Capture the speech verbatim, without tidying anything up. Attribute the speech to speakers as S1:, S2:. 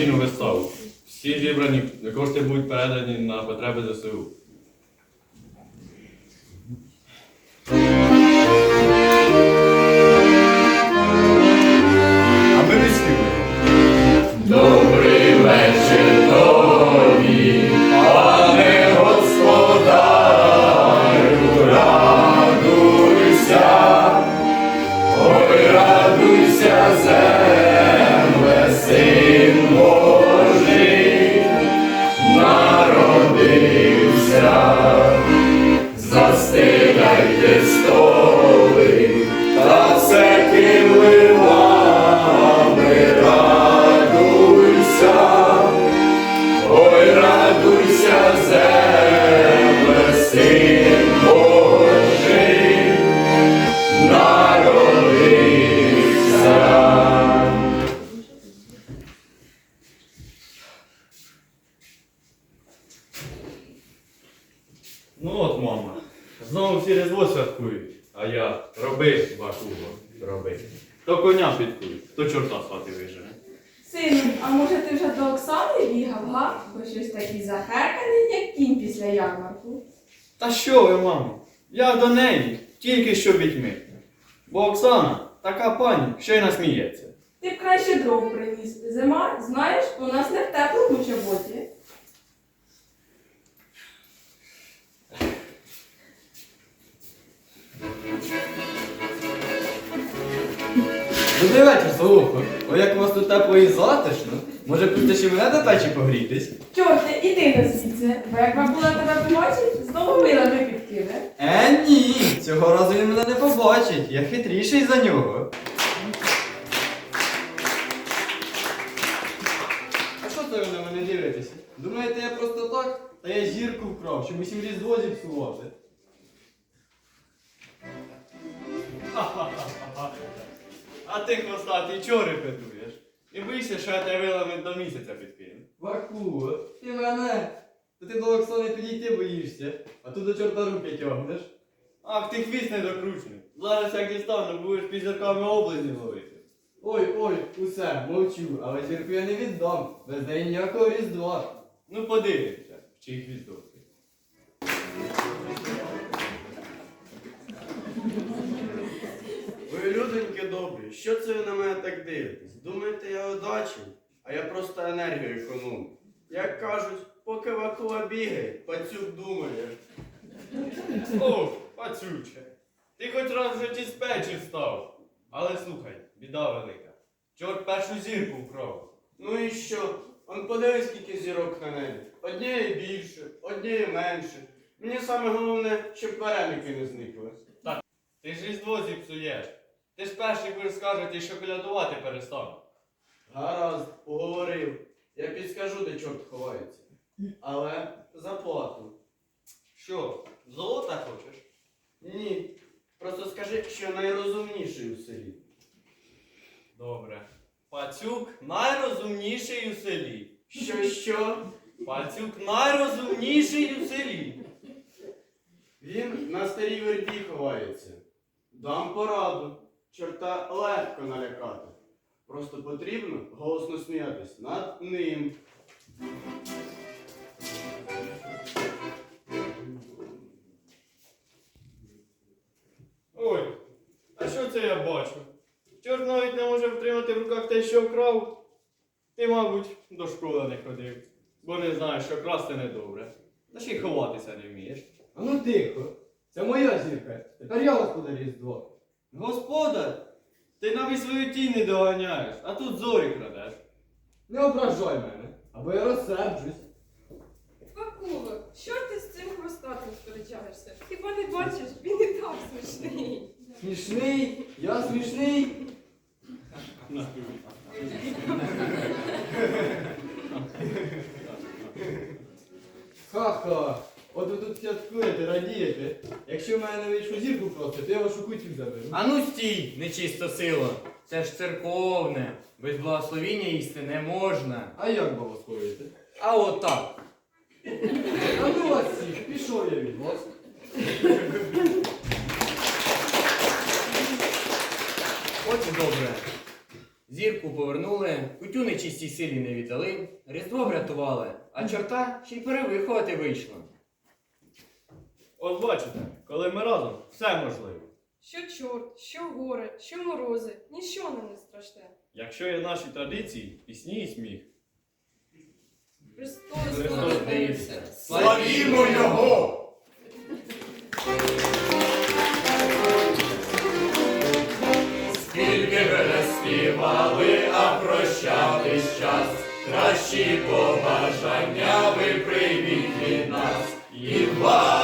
S1: благодійну виставу. Всі зібрані кошти будуть передані на потреби ЗСУ.
S2: А ми відспіваємо.
S3: Добрий вечір тобі, пане господарю, радуйся, ой, радуйся, земле, син Божий народився. Застеляйте столи та все килимами, радуйся, ой, радуйся, земле, син Божий народився.
S1: Ну от, мама, знову всі Різдво святкують, а я роби, бакуго, роби. То коня підкують, то чорта з хати вижене.
S4: Сину, а може ти вже до Оксани бігав, га? Бо щось такий захеканий, як кінь після ярмарку.
S1: Та що ви, мамо? Я до неї, тільки що вітьми. Бо Оксана така пані, що й насміється.
S4: Ти б краще дров приніс. Зима, знаєш, у нас не в теплому чоботі.
S2: Добрий вечір, Солухо. Ой, як у вас тут тепло і затишно. Може, будете ще мене до печі погрітись?
S4: Чорте, іди на звідси, бо як бабуля тебе побачить, знову милами підкине.
S2: Е, ні, цього разу він мене не побачить. Я хитріший за нього. А що це ви на мене дивитеся? Думаєте, я просто так? Та я зірку вкрав, щоб усім Різдво зіпсувати.
S1: А ти, хвостатий, чого репетуєш? І боїшся, що я тебе вилами до місяця підкину.
S2: Ваку, ти мене. То ти до Оксани підійти боїшся, а тут до чорта руки тягнеш.
S1: Ах, ти хвіст недокручений. Зараз як дістану, будеш під зірками облизні ловити.
S2: Ой, ой, усе, мовчу, але зірку я не віддам. Без неї ніякого Різдва.
S1: Ну подивимося, в чий хвісток.
S5: Ви, людоньки добрі, що це ви на мене так дивитесь? Думаєте, я одачий? А я просто енергію економлю. Як кажуть, поки Вакула бігає, пацюк думає.
S1: О, пацюче, ти хоч раз в житті з печі встав. Але слухай, біда велика. Чорт першу зірку вкрав.
S5: Ну і що? Он подивись, скільки зірок на небі. Однієї більше, однієї менше. Мені саме головне, щоб вареники не зникли.
S1: Ти ж Різдво зіпсуєш. Ти ж перший будеш скажете, що колядувати перестану.
S5: Гаразд, поговорив. Я підскажу, де чорт ховається. Але за плату.
S1: Що, золота хочеш?
S5: Ні. Просто скажи, що я найрозумніший у селі.
S1: Добре. Пацюк найрозумніший у селі.
S5: Що, що?
S1: Пацюк найрозумніший у селі.
S5: Він на старій верді ховається. Дам пораду. Чорта легко налякати. Просто потрібно голосно сміятись над ним.
S1: Ой, а що це я бачу? Чорт навіть не може втримати в руках те, що вкрав. Ти, мабуть, до школи не ходив, бо не знаєш, що красти недобре. Та ще й ховатися не вмієш.
S2: А ну тихо, це моя зірка. Тепер я господар Різдво.
S1: Господар, ти навіть свою тінь не доганяєш, а тут зорі крадеш.
S2: Не ображай мене, або я розсерджусь.
S4: Вакуло, що ти з цим хвостатим сперечаєшся? Хіба не бачиш, він і так смішний.
S2: Смішний, я смішний. Ха-ха. От ви тут святкуєте, радієте. Якщо в мене не вийшло зірку просто, то я вашу кутю заберу.
S6: А ну стій, нечиста сила. Це ж церковне. Без благословіння їсти не можна.
S2: А як благословити?
S6: А от так.
S2: А ну вас всіх, пішов я від вас.
S6: От і добре. Зірку повернули, кутю нечистій силі не віддали, Різдво врятували, а чорта ще й перевиховати вийшло.
S1: От бачите, коли ми разом, все можливо.
S4: Що чорт, що горе, що морози, ніщо нам не страшне.
S1: Якщо є наші традиції, пісні і сміх.
S4: Христос
S1: Христос
S4: народився.
S3: Славімо Його! Скільки ви не співали, а прощатись час, кращі побажання ви прийміть від нас. І вам